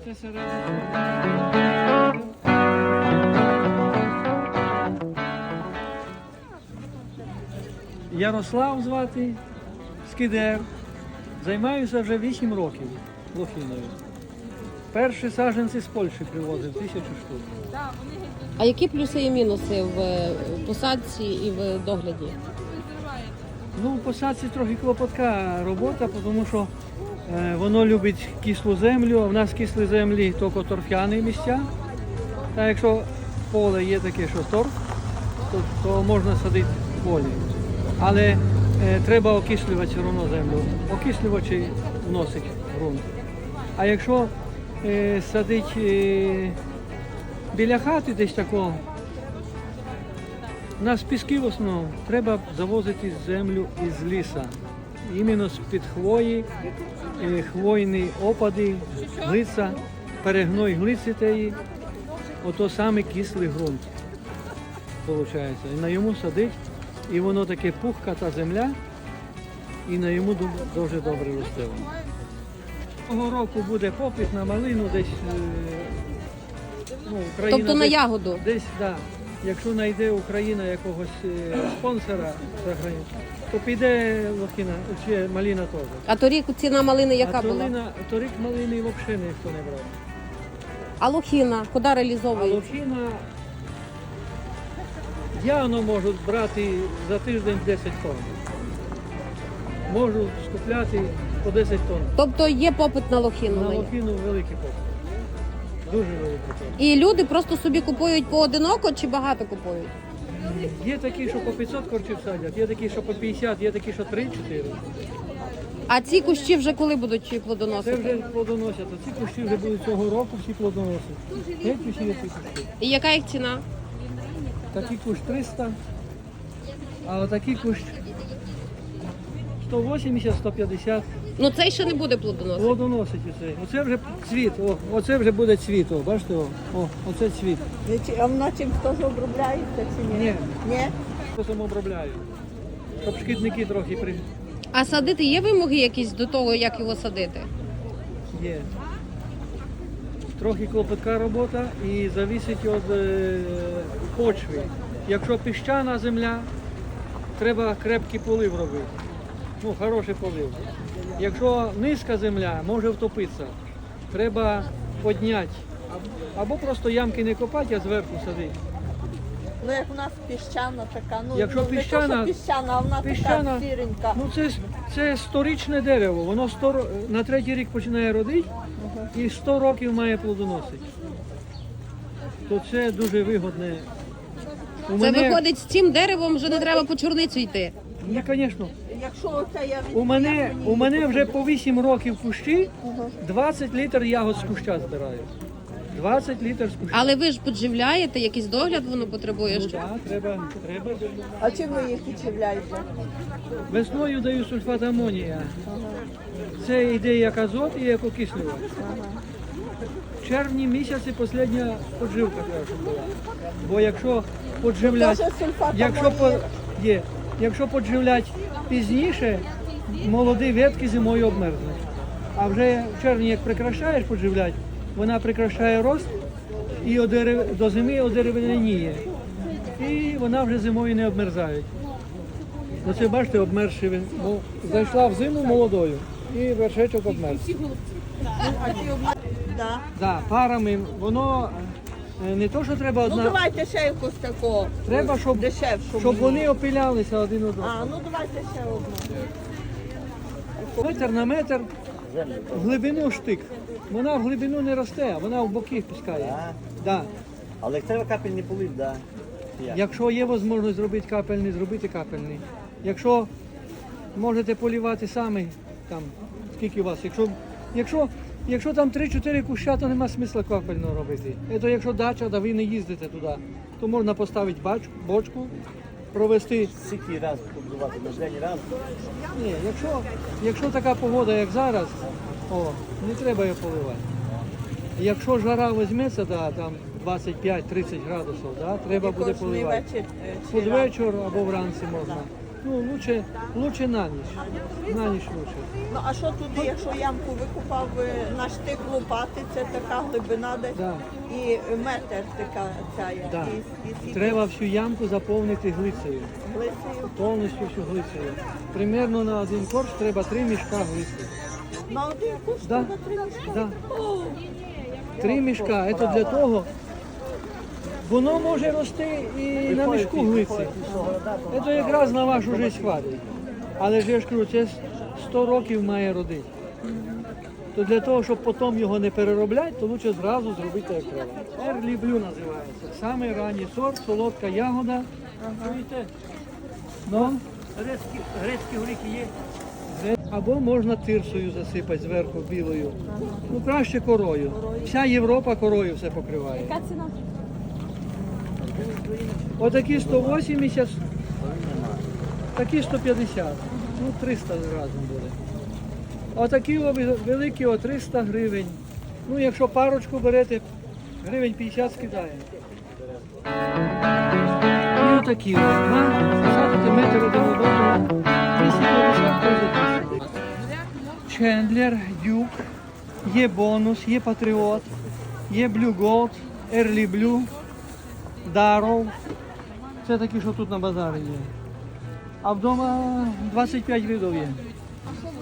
Це середина. Ярослав звати, скидер. Займаюся вже 8 років лохіною. Перші саджанці з Польщі привозив, 1000 штук. А які плюси і мінуси в посадці і в догляді? Ну, в посадці трохи клопотка робота, тому що воно любить кислу землю, а в нас кислі землі тільки торф'яні місця. А якщо поле є таке, що торф, то можна садити в полі. Але треба окислювати все одно землю. Окислювачі вносить в ґрунт. А якщо садити біля хати десь такого, у нас піски в основному, треба завозити землю із лісу. Іменно з-під хвої, хвойні опади, глиця, перегной глиці теї, ото саме кислий ґрунт, виходить. І на йому садить, і воно таке пухка та земля, і на йому дуже добре росте. Цього року буде попит на малину десь, Україна. Тобто на ягоду? Десь, так. Якщо знайде Україна якогось спонсора, то піде лохіна, чи малина теж. А торік ціна малини яка була? Торік малини взагалі ніхто не брав. А лохіна куди А реалізовується? лохіна явно можуть брати за тиждень 10 тонн. Можу скупляти по 10 тонн. Тобто є попит на лохіну? На лохіну великий попит. Дуже великий попит. І люди просто собі купують поодиноко чи багато купують? Є такі, що по 500 корчів садять, є такі, що по 50, є такі, що 3-4. А ці кущі вже коли будуть Це плодоносити? вже плодоносять, а ці кущі вже будуть цього року всі плодоносять. Геть усі ці кущі. І яка їх ціна? Такий кущ 300, а отакий кущ 180-150. Ну цей ще не буде плодоносити. Плодоносить оцей. Оце вже цвіт, оце вже буде цвіт, бачите, оце цвіт. А воно чим теж обробляється чи ні? Ні. Ні? Потім обробляю, щоб шкідники трохи А садити є вимоги якісь до того, як його садити? є. Трохи клопотка робота і залежить від почви. Якщо піщана земля, треба крепкий полив робити. Ну, хороший полив. Якщо низька земля, може втопитися. Треба підняти. Або просто ямки не копати, а зверху садити. Ну як у нас піщана така, ну Якщо не то, піщана- що піщана, а вона піщана- така сіренька. Ну це сторічне дерево. Воно на третій рік починає родити і 100 років має плодоносити. То це дуже вигодне. Це виходить, з цим деревом вже не треба по чорницю йти. Ні, звісно. Якщо оце я від... У мене вже по 8 років кущі, 20 літр ягод з куща збираю. 20 літр з куща. Але ви ж підживляєте, якийсь догляд воно потребує Ну, ще? так, треба. А чим ви їх підживляєте? Весною даю сульфат амонія. Це йде як азот і як окислювач. В червні місяці остання подживка треба, щоб була. Бо якщо подживляти, Теж сульфат якщо подживляти пізніше, молоді ветки зимою обмерзнуть. А вже в червні, як прикрашаєш подживляти, вона прикрашає рост і до зими одеревеніє. І вона вже зимою не обмерзає. Оце бачите, обмерзший він. Бо зайшла в зиму молодою і вершечок обмерз. Да. Да, парами воно не то, що треба Ну одна. давайте ще якусь такого. Треба, щоб дешевшу. щоб мені. вони опилялися один одного. А, ну давайте ще одну. Метр на метр в глибину штик. Вона в глибину не росте, вона в боки пускає. Да. Але треба капельний полив, так. Да. Якщо є можливість зробити капельний, зробити капельний. Якщо можете полівати самі, там, скільки у вас. Якщо там 3-4 куща, то нема смисла капельного робити. Це якщо дача, да ви не їздите туди, то можна поставити бочку, провести. Скільки раз побудувати на день раз. Ні, якщо така погода, як зараз, не треба її поливати. Якщо жара візьметься, да, там 25-30 градусів, да, треба буде Кожний поливати. вечір. Під вечір або вранці можна. Ну, лучше на ніч. На ніч лучше. Ну а що туди, якщо ямку викопав на штик лопати, це така глибина десь Да. і метр така ця Да. і Треба всю ямку заповнити глицею. глицею. Повністю всю глицею. Примерно на один корч треба 3 мішка глиці. На один куш Да. треба 3 мішка. Да. 3 мішка. Це для того. Воно може рости і на мішку глиці. Це якраз на вашу життя хватить. Але ж я ж кажу, це 100 років має родити. То для того, щоб потім його не переробляти, то краще зразу зробити як треба. Early Blue називається. Саме ранній сорт, солодка ягода. Чуєте? Ну, грецькі горіхи є. Або можна тирсою засипати зверху білою. Ну краще корою. Вся Європа корою все покриває. Яка ціна? Отакі 180, такі 150. Ну 300 разом буде. Отакі великі о 300 гривень. Ну якщо парочку берете, гривень 50 скидає. І отакі ось. Посадити метр один одного. 250 гривень. Чендлер, Дюк, є бонус, є патріот, є Blue Gold, Early Blue, Даров. Це такі, що тут на базарі є. А вдома 25 видів є. А що